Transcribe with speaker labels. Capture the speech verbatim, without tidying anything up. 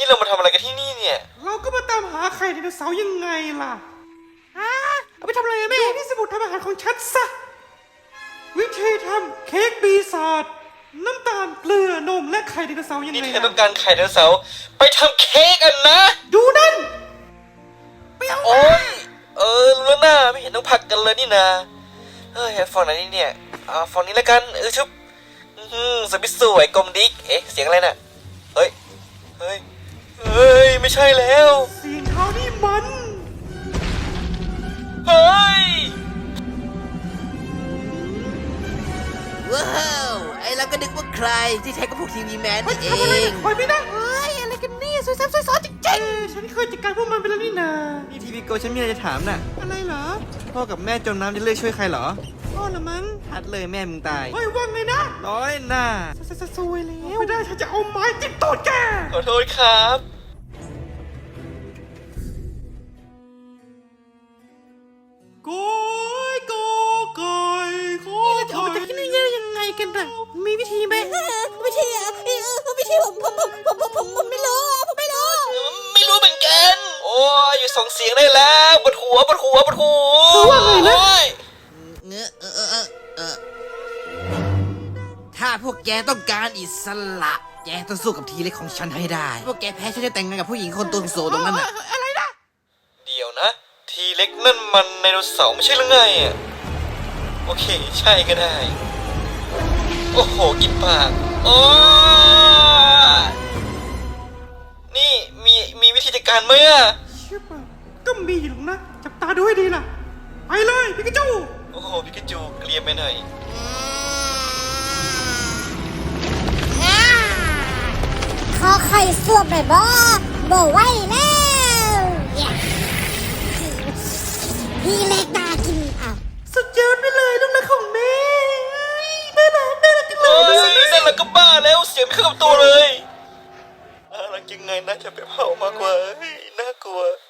Speaker 1: นี่เรามาทำอะไรกันที่นี่เนี่ย
Speaker 2: เราก็มาตามหาไข่ไดโนเสาร์ยังไงล่ะอ่าเอาไปทำอะไรแม่นี่สมุดทำอาหารของฉันซะวิธีทำเค้กปีศาจน้ำตาลเกลือนมและไข่ไดโนเสาร์ยังไง
Speaker 1: นี่เธอต้องการไข่ไดโนเสาร์ไปทำเค้กกันนะ
Speaker 2: ดูนั่นไปเอา
Speaker 1: โอ้ยเออรู้แล้วนะไม่เห็นต้องผักกันเลยนี่นะเฮ้ยฟองไหนนี่เนี่ยอ่าฟองนี้แล้วกันเออชุบอืมสปิสสวยกลมดิ๊กเอ๊ะเสียงอะไรน่ะเฮ้ยเฮ้ยเฮ้ยไม่ใช่แล้ว
Speaker 2: เสียงเท้านี่มัน
Speaker 1: เฮ้ย
Speaker 3: ว้าวไอ้เราก็นึกว่าใครที่แท้ก็พวกทีวีแมนนี่เอง
Speaker 2: คอยไม่ได้
Speaker 3: เฮ้ยอะไรกันเนี่ยสวยซ้ำสวยซ้อนจริง
Speaker 2: เอ้ฉันเคยจัดการพวกมันไปแล้วนี่นา
Speaker 4: นี่ทีวีโกฉันมีอะไรจะถามน่ะ
Speaker 2: อะไรเหรอ
Speaker 4: พ่อกับแม่จมน้ำจะเลือกช่วยใครเหรอ
Speaker 2: พ่อละมั้ง
Speaker 4: ทัดเลยแม่มึงตาย
Speaker 2: เฮ้ยว่างไงนะ
Speaker 4: ร้อยหน้า
Speaker 2: ซวยแล้วไม่ได้ฉันจะเอาไม้จิ้มตูดแก
Speaker 1: ขอโทษครับ
Speaker 2: โกยโกกอยโกยจะออกจากที่นี่ยังไงกันล่ะมีวิธีไหม
Speaker 3: วิธีอ่ะวิธีผมผมผมผมผมผมผมไม่รู้ผมไม่รู้
Speaker 1: ไม่รู้เหมือนกันโอ้ยอยู่ส่งเสียงได้แล้วปวดหัวปวดหัวปวดหัว
Speaker 2: คือว่าไงนะ
Speaker 3: เงอะเออเออเออถ้าพวกแกต้องการอิสระแกต้องสู้กับทีเล็กของฉันให้ได้พวกแกแพ้ฉันจะแต่งงานกับผู้หญิงคนตัวโสตรงนั้นน่ะ
Speaker 2: อะไรนะ
Speaker 1: เดี๋ยวนะทีเล็กนั่นมันไดโนเสาร์ไม่ใช่หรือไงอ่ะโอเคใช่ก็ได้โอ้โหกินปากโอ้นี่มีมีวิธีจัดการไหมอ่ะ
Speaker 2: ชิบะก็มีอยู่นะจับตาดูให้ดีล่ะไปเลยพิกาจู
Speaker 1: โอ้โหพิกาจูเกลียมไปหน่อย
Speaker 5: ขอไข่สวบหน่อยบ่บ่ไหวแล้วพี่เล็กตากินอ้าว
Speaker 2: สุดยอดไปเลยลูกรักของแม่น่ารักน่ารักจังเล
Speaker 1: เฮ้
Speaker 2: ย
Speaker 1: ยนั่นแหละก็บ้าแล้วเสียงไม่เข้ากับตัวเลยน่ารักยังไงนะจะไปเผามากกว่าเฮ้ยน่ากลัว